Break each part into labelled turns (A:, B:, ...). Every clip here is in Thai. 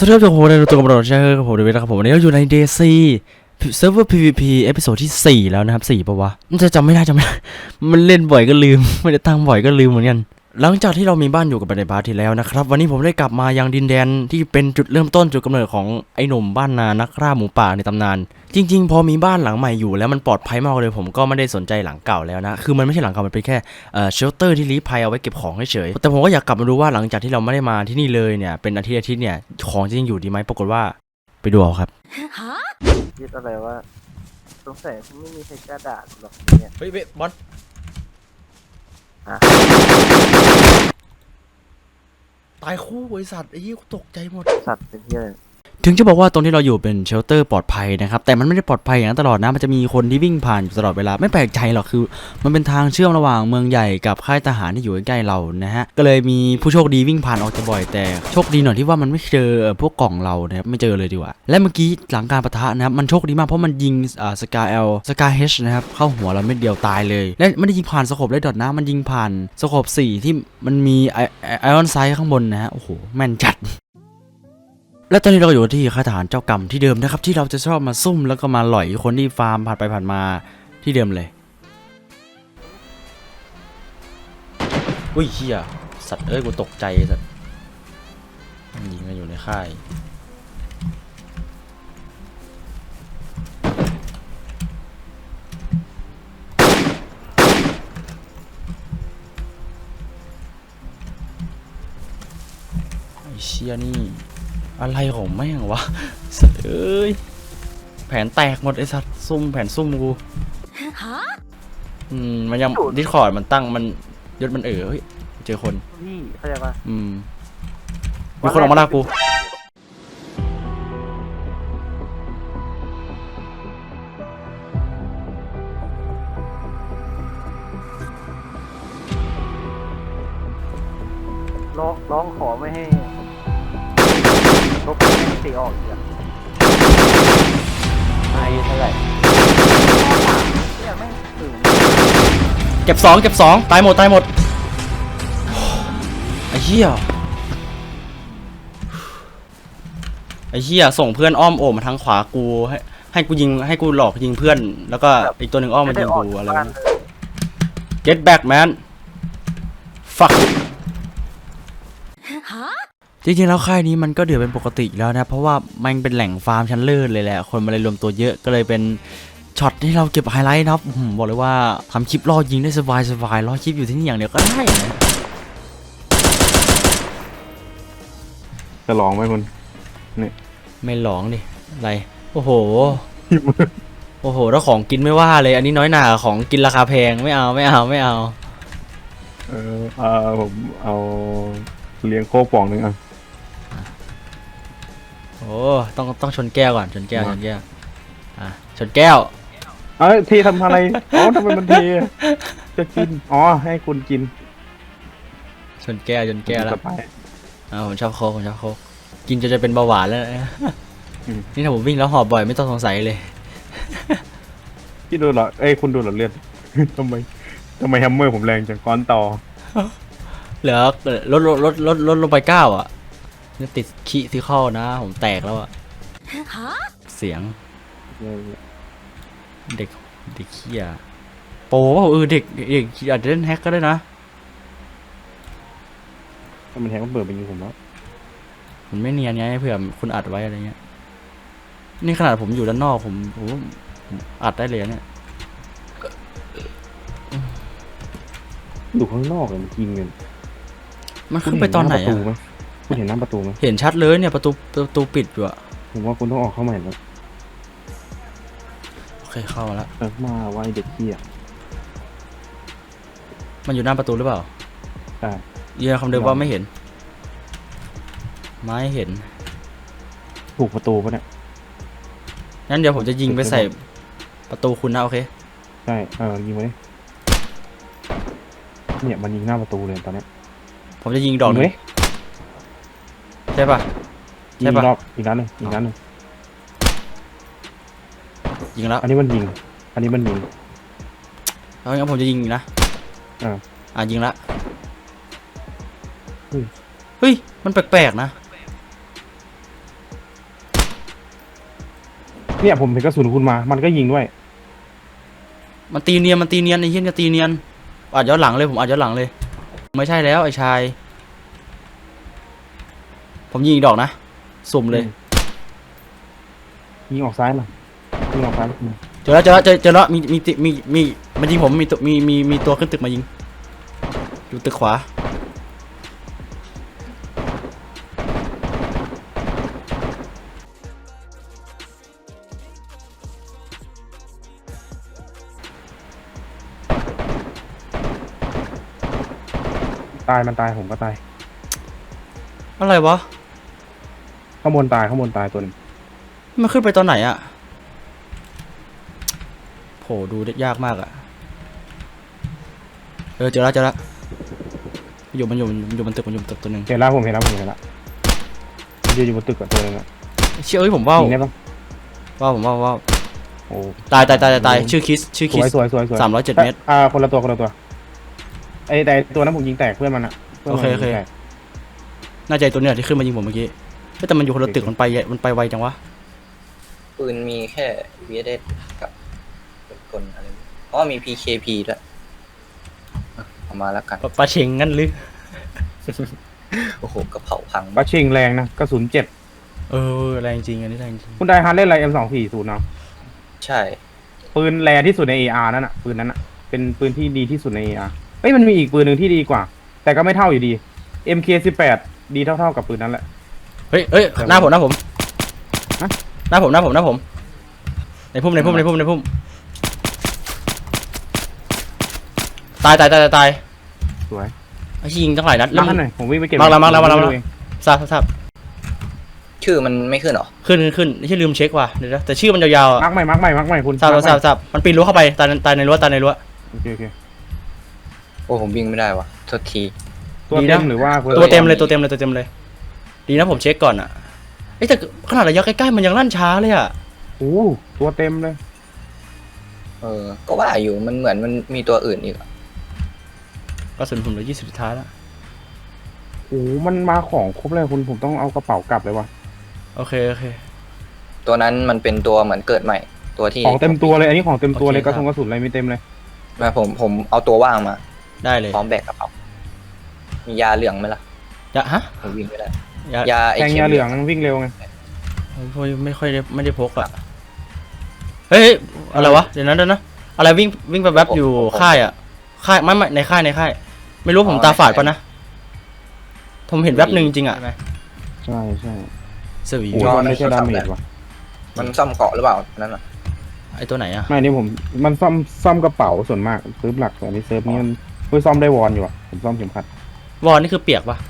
A: สวัสดีครับทุกคนในตัวกำลังใช้กับผมเดวิดนะครับผมวันนี้เราอยู่ใน DC เซิร์ฟเวอร์ PVP เอพิโซดที่4แล้วนะครับ4ป่ะวะมันจะจำไม่ได้มันเล่นบ่อยก็ลืมไม่ได้ตั้งบ่อยก็ลืมเหมือนกันหลังจากที่เรามีบ้านอยู่กับในพาร์ทที่แล้วนะครับวันนี้ผมได้กลับมายังดินแดนที่เป็นจุดเริ่มต้นจุดกำเนิดของไอ้หนุ่มบ้านนานักล่าหมูป่าในตำนานจริงๆพอมีบ้านหลังใหม่อยู่แล้วมันปลอดภัยมากเลยผมก็ไม่ได้สนใจหลังเก่าแล้วนะคือมันไม่ใช่หลังเก่ามันเป็นแค่เชลเตอร์ที่ลี้ภัยเอาไว้เก็บของเฉยๆแต่ผมก็อยากกลับมาดูว่าหลังจากที่เราไม่ได้มาที่นี่เลยเนี่ยเป็นอาทิตย์เนี่ยของจะยังอยู่ดีไหมปรากฏว่าไปดูเอาครับ
B: คิดอะไรว่าสงสัยไม่มีใครกล้าด่าหรอกเนี่ย
A: เฮ้ยบอลตายคู่บริษัทไอ้ยี่ตกใจหมด
B: สัตว์เป็นที่อะไร
A: ถึงจะบอกว่าตรงที่เราอยู่เป็นเชลเตอร์ปลอดภัยนะครับแต่มันไม่ได้ปลอดภัยอย่างนั้นตลอดนะมันจะมีคนที่วิ่งผ่านอยู่ตลอดเวลาไม่แปลกใจหรอกคือมันเป็นทางเชื่อมระหว่างเมืองใหญ่กับค่ายทหารที่อยู่ใกล้ๆเรานะฮะก็เลยมีผู้โชคดีวิ่งผ่านออกจะบ่อยแต่โชคดีหน่อยที่ว่ามันไม่เจอพวกกล่องเรานะครับไม่เจอเลยดีกว่าและเมื่อกี้หลังการปะทะนะครับมันโชคดีมากเพราะมันยิงสกาเอลสกาเฮชนะครับเข้าหัวเราเม็ดเดียวตายเลยและไม่ได้ยิงผ่านสโคปเลยดอทนะมันยิงผ่านสโคป4ที่มันมีไอออนไซด์ข้างบนนะฮะโอ้โหแม่นจัดและตอนนี้เราอยู่ที่ค่ายทหารเจ้ากรรมที่เดิมนะครับที่เราจะชอบมาซุ่มแล้วก็มาหล่อยคนที่ฟาร์มผ่านไปผ่านมาที่เดิมเลยอุ้ยเฮียสัตว์เอ้ยกูตกใจสัตว์ยิงกันอยู่ในค่ายไอ้เชี่ยนี่อะไรของแม่งวะสัตว์เอ้ยแผนแตกหมดไอ้สัตว์ซุ่มแผนซุ่มกูมันยังดิสคอร์ดมันตั้งมันยศมันเฮ้ยเจอคน
B: พี่เข้าใจปะ
A: มีคนออกมาล่ากู
B: ร้องขอไม่ให้ลบไม่ให้ตีออกอีกไอ้เท่าไหร่เนี่ยไม่ถึง
A: เก็บสองตายหมดไอ้เหี้ยส่งเพื่อนอ้อมโอบมาทางขวากูให้กูยิงให้กูหลอกยิงเพื่อนแล้วก็อีกตัวหนึ่งอ้อมมายิงกูอะไรนะ Get back man fuck จริงๆแล้วค่ายนี้มันก็เดือดเป็นปกติแล้วนะเพราะว่ามันเป็นแหล่งฟาร์มชั้นเลิศเลยแหละคนมาเลยรวมตัวเยอะก็เลยเป็นช็อตที่เราเก็บไฮไลท์นะครับบอกเลยว่าทำคลิปล่อยิงได้สบายล่อคลิปอยู่ที่นี่อย่างเดียวก็ได้นะ
C: จะลองไหมคุณนี่
A: ไม่หลองดิอะไรโอ้โหถ้าของกินไม่ว่าเลยอันนี้น้อยหนาของกินราคาแพงไม่เอา
C: ผมเอาเลี้ยงโค้กป่องนึง
A: โอ้ต้องชนแก้วก่อนชนแก้วชนแก้ว
C: ทีทำอะไรทำไมมันทีจะกินให้คุณกิน
A: ชนแก้วแล้วผมชอบโค้กกินจะเป็นเบาหวานแล้วนี่ถ้าผมวิ่งแล้วหอบบ่อยไม่ต้องสงสัยเลย
C: พี่ดูเหรอคุณดูเหรอเลือดทำไมแฮมเมอร์ผมแรงจังก้อนต่อ
A: เหลือลดลงไป9อ่ะนี่ติดขี้ที่เข้านะผมแตกแล้วอ่ะเสียงเด็กเขี้ยโปเด็กอาจจะเล่นแฮกก็ได้นะ
C: ถ้ามันแฮกมันเปิดไปยิงผมแล้ว
A: มันไม่เนียนไงเผื่อคุณอัดไว้อะไรเงี้ยนี่ขนาดผมอยู่ด้านนอกผมอัดได้เลยเนี่ย
C: อยู่ข้างนอกเลยมันยิงเงิน
A: มันขึ้นไปตอนไหนอ่ะ
C: คุณเห็นหน้าประตูไหม
A: เห็นชัดเลยเนี่ยประตูปิดอยู่อ่ะ
C: ผมว่าคุณต้องออกเข้าใหม่แล้ว
A: โอเคเข้ามาแล้ว
C: มาไว้เด็กเขี้ย
A: มันอยู่หน้าประตูหรือเปล่า
C: ใช่
A: ยืนคำเดิมว่าไม่เห็น
C: ถูกประตูปะเนี่ย
A: งั้นเดี๋ยวผมจะยิงไปใส่ประตูคุณนะโอเค
C: ใช่ยิงไปเนี่ยมันยิงหน้าประตูเลยตอนนี้
A: ผมจะยิงดอกนึงใช่ปะ
C: อีกนัดหนึ่งยิงแล้วอันนี้มันยิง
A: แล้วงั้นผมจะยิงนะยิงละเฮ้ยมันแปลกๆนะ
C: เนี่ยผมเห็นกระสุนคุณมามันก็ยิงด้วย
A: มันตีเนียนไอ้เหี้ยจะตีเนียนอัดย้อนหลังเลยผมอัดย้อนหลังเลยไม่ใช่แล้วไอ้ชายผมยิงอีกดอกนะสุ่มเลย
C: ยิงออกซ้ายหน่อยยิงออกซ้ายมา
A: เจอแล้วมีมันยิงผมมีตัวขึ้นตึกมายิงอยู่ตึกขวา
C: ตายมันตายผมก็ตาย
A: อะไรวะ
C: ข้างบนตายตัวหนึง
A: มันขึ้นไปตอนไหนอะโหดูได้ยากมากอะเจอแล้วมันอยู่บนตึกตัวหนึ่ง
C: เห็นแล้วผมเห็นแล้วมันยืนอยู่บนตึกกับตัวหนึงอะ
A: เชื่อผมว่า
C: ยิงได้ปะ โอ้
A: ตายชื่อคิส
C: สวย
A: 307 เมตร
C: คนละตัวไอ้แต่ตัวนั้นผมยิงแตกเพื่อนมันอะพื่น
A: โอ
C: มัน
A: เค
C: ยิงแตก
A: น่าจะตัวเนี่ยที่ขึ้นมายิงผมเมื่อกี้แต่มันอยู่คนละตึกมันไปไวจังวะ
D: ปืนมีแค่ VSS กับกลอะไรเพราะว่ามี PKP ด้วยเอามาแล้วกัน
A: ปลาเชงงั้นหรือ
D: โอ้โหกระเผาพัง
C: บัชชิงแรงนะกระสุน7
A: แรงจริงอันนี้แรงจริง
C: คุณได้ฮาร์ดเล่นอะไร M240 เนาะ
D: ใช่
C: ปืนแรงที่สุดใน AR นั่นอะปืนนั้นอะเป็นปืนที่ดีที่สุดใน AR เอ้ยมันมีอีกปืนหนึ่งที่ดีกว่า แต่ก็ไม่เท่าอยู่ดี MK18 ดีเท่ากับปืนนั้นแหละ
A: เฮ้ยหน้าผม
C: ฮะ
A: หน้าผมในพุ่มตาย
C: สวย
A: ไอ้ยิงตั้งหลายนัด
C: มาให้หน่อยผมวิ่งไปเก็บ
A: มาแล้ว
C: เอง
A: ทราบ
D: ชื่อมันไม่ขึ้นหรอ
A: ขึ้นไม่ใช่ลืมเช็คว่ะเดี๋ยวนะแต่ชื่อมันยาวๆอ่ะ
C: มาร์กใหม่คุณ
A: ทราบมันปีนรั้วเข้าไปตายในรั้ว
C: โอเค
D: โอ้ผมวิ่งไม่ได้วะโทษที
C: ตัว
A: ดี
C: เต็
A: นะ
C: มหรือว่า
A: ตัวเต็มเลยดีนะผมเช็คก่อนอ่ะแต่ขนาดระยะใกล้ๆมันยังลั่นช้าเลยอ่ะ
C: โอ้ตัวเต็มเลย
D: ก็ว่าอยู่มันเหมือนมันมีตัวอื่นอีกอะ
A: กระสุนผมเหลือ20สุดท้ายแล้ว
C: โอ้มันมาของครบเลยคุณผมต้องเอากระเป๋ากลับเลยวะ
A: โอเค
D: ตัวนั้นมันเป็นตัวเหมือนเกิดใหม่ ตัวที่
C: ของเต็มตัวเลยอันนี้ของเต็มตัวเลย
A: โอเค
C: กระสุนอะไรมีเต็มเลย
D: มาผมเอาตัวว่างมา
A: ได้เลย
D: พร้อมแบกกระเป๋ามียาเหลืองไหมล่ะ
A: ฮะ
D: ผมวิ่งไม่ได้
A: ยาย
D: าไอ
C: แทง
D: เข็
C: ยาม เหลืองวิ่งเร็วไง
A: ไม่ค่อยได้พกอ่ะเฮ้ยอะไรวะเดี๋ยวนะอะไรวิ่งไปแวบอยู่ค่ายไม่ในค่ายไม่รู้ผมตาฝาดปะนะผมเห็นแวบหนึ่งจริงอ่ะ
C: ใช่
A: สวี
C: โอ้มันไม่ใช่ดาเมจว่ะ
D: มันซ่อมเกาะหรือเปล่านั่นน่ะ
A: ไอตัวไหนอ่ะ
C: ไม่นี่มันซ่อมกระเป๋าส่วนมากเซิร์ฟหลักแต่อันนี้เซิร์ฟนี้มันซ่อมได้วอนอยู่อ่ะผมซ่อมเข็มขัด
A: วอลนี่คือเปียกปะ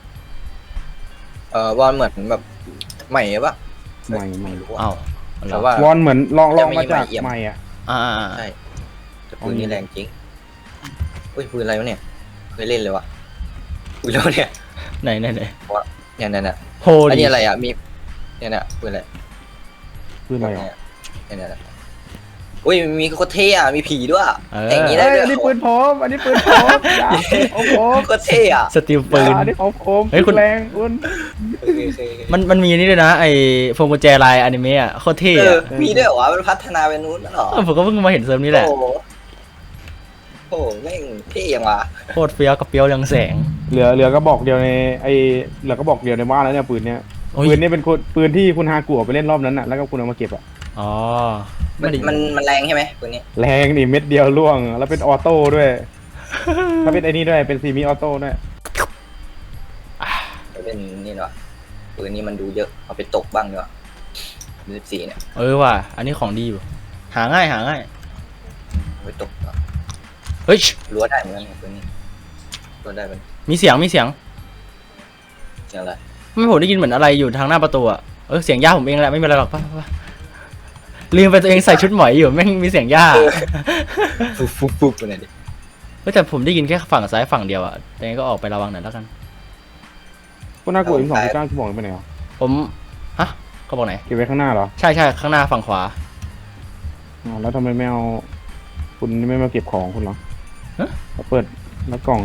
D: วอนเหมือนแบบใหม่ปะ
C: ไม่
D: ไม่รู้
A: อ้าว
D: แต่ว่าว
C: อนเหมือนลอง
D: จะมี
C: มาจาก
D: ใหม่เอี่ยม
C: ใหม่อ่ะ
D: ใช่แต่ปืนนี่แรงจริงอุ้ยปืนอะไรวะเนี่ยเคยเล่นเลยวะปืนแล้วเนี่ย
A: ไหน
D: เนี่ย
A: โฮ
D: อัน
A: ดิ
D: นี้อะไรอ่ะมีเนี่ยปืนอะไร
C: คืออะไรอ่ะ
D: เนี่ยอุ้ยมีโคตรเท่อะมีผีด้วย อย่างนี้
C: เอ้
D: ได้
C: ย
D: ด้วย
C: อันนี้ปืนผมอย่าโอ้โห
D: โคตรเท่อะ
A: สติลปืน
C: อันนี้ของผม
A: เฮ้ยคุณ
C: แรงคุณ
A: มันมีนี่ด้วยนะไอพวงกุญแจลายอนิเมะอ่ะโคตรเท่อะ
D: มีด้วยเหรอวะมันพัฒนาไปนู้นแล้วเหรอ
A: ผมก็เพิ่งมาเห็นเซิร์ฟนี้แหละ
D: โอ้โหแม่งเท่ยังวะ
A: โคตรเฟี้ยวกับเปียวเรืองแสง
C: เหลือก็บอกเดียวในเหลือก็บอกเดียวในบ้านแล้วเนี่ยปืนเนี้ย
A: โอ้ย
C: ปืนนี้เป็นปืนที่คุณฮากุเอาไปเล่นรอบนั้นน่ะแล้วก็คุณเอามาเก็บอ่ะ
A: อ๋อ
D: มันแรงใช่ไหมปืนนี้
C: แรงนี่เม็ดเดียวล่วงแล้วเป็นออโต้ด้วยถ้าเป็นไอ้นี่ด้วยเป็นซีมิออโต้ด้วย
D: เป็นนี่เนาะปืนนี้มันดูเยอะเอาไปตกบ้างเนาะ14เนี่ย
A: ว่ะอันนี้ของดีอยู่หาง่าย
D: เอาไปตกเนาะ
A: เฮ้ย
D: รั้วได้เหมือนกันปืนนี้รั้วได้เป็น
A: มีเสียง
D: เสียงอะไร
A: ไม่ผมได้ยินเหมือนอะไรอยู่ทางหน้าประตูอ่ะเสียงย่าผมเองแหละไม่มีอะไรหรอกป่ะลืมไปตัวเองใส่ชุดหมอยอยู่แม่งมีเสียงย่า
D: ฟุบไปไหนดิ
A: แต่ผมได้ยินแค่ฝั่งซ้ายฝั่งเดียวอ่ะยังไงก็ออกไประวังหน่อยแล้วกัน
C: คุณฮากุM249ที่บอกไปไหนอ่ะ
A: ผมเขาบอกไหน
C: เก็บไว้ข้างหน้าเหรอ
A: ใช่ข้างหน้าฝั่งขวา
C: อ๋อแล้วทำไมไม่เอาคุณไม่มาเก็บของคุณเหรอ
A: ฮะ
C: เปิดแล้วกล่อง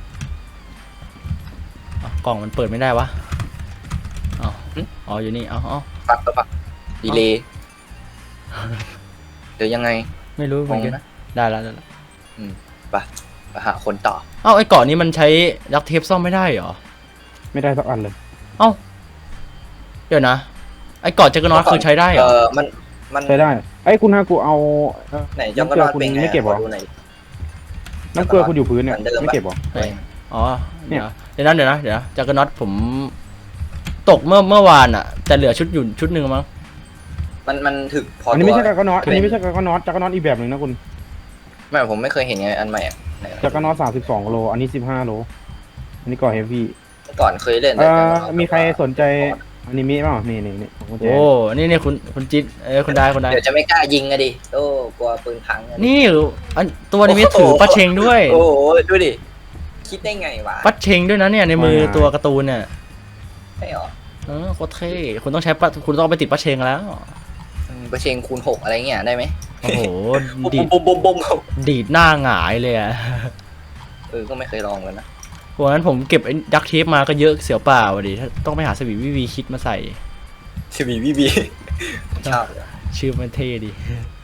A: กล่องมันเปิดไม่ได้วะอ๋ออยู่นี่
D: ปักดีเลยหรือยังไง
A: ไม่รู้เหมือนกัน
D: งงนะ
A: ได้แล้วได้แล้ว
D: ไปหาคนต่อ
A: เอ้าไอ้เกาะนี้มันใช้ดักเทปซ่อมไม่ได้เหรอ
C: ไม่ได้สักอันเลย
A: เอ้าเดี๋ยวนะไอ้เกาะเจกนอตคือใช้ได้เหรอ
D: มัน
C: ใช้ได้ไอ้ยคุณฮากูเอา
D: ไหนจังก็นอนเป็นไง
C: ไม่เก็บหรอ
D: ขดูหน่อย
C: น้ำเกลือคุณอยู่พื้นเนี่ย
D: เหมือนเดิม
C: ไม่เก็บหรอ
A: เฮ้ยอ๋อ
C: เนี่
A: เดี๋ยวย เดี๋ยวนะเจกนอตผมตกเมื่อวานอะแต่เหลือชุดอยู่ชุดหนึ่งมั้ง
D: มันถึกพอ
C: อัน
D: อั
C: นี้ไม่ใช่กากนอตอันนี้ไม่ใช่กากนอตจักรนอตอีกแบบหนึ่งนะคุณ
D: ไม่ผมไม่เคยเห็นไงอันใหม่อะไหน
C: จักรนอต32 โลอันนี้15 โลอันนี้ก่อเฮฟวี่
D: ก่อนเคยเล่นแต่
C: มีใครสนใจอนิเมะบ้างนี่ของคุณแจ
A: โอ้นี่คุณจิ๊ดคุณได้
D: เดี๋ยวจะไม่กล้ายิงอะดิโอ้กลัวปืนพังอะดิ
A: นี่อันตัวนี้มีถือปัดเชงด้วย
D: โอ้โหดูดิคิดได้ไงวะ
A: ปัดเชงด้วยนะเนี่ยในมือตัวการ์ตูนเนี่ย
D: ใช่หรอ
A: โคตรเท่คุณต้องใช้คุณต้องเอาไปติดปัดเชงแล้ว
D: ประเชงคูณ6อะไรเงี้ยได้ไหม
A: โอ้โห
D: บุ้ม
A: ดีด
D: บุ้มบุ้มบุ้ม
A: ดีดหน้าหงายเลยอะ
D: ก็ไม่เคยลองกันนะ
A: วันนั้นผมเก็บไอ้ดักเทปมาก็เยอะเสียวเปล่าอะดิถ้าต้องไปหาสวีวิวีคิดมาใส่
D: ชีวีบีชอบ
A: ชื่อมันเท่ดี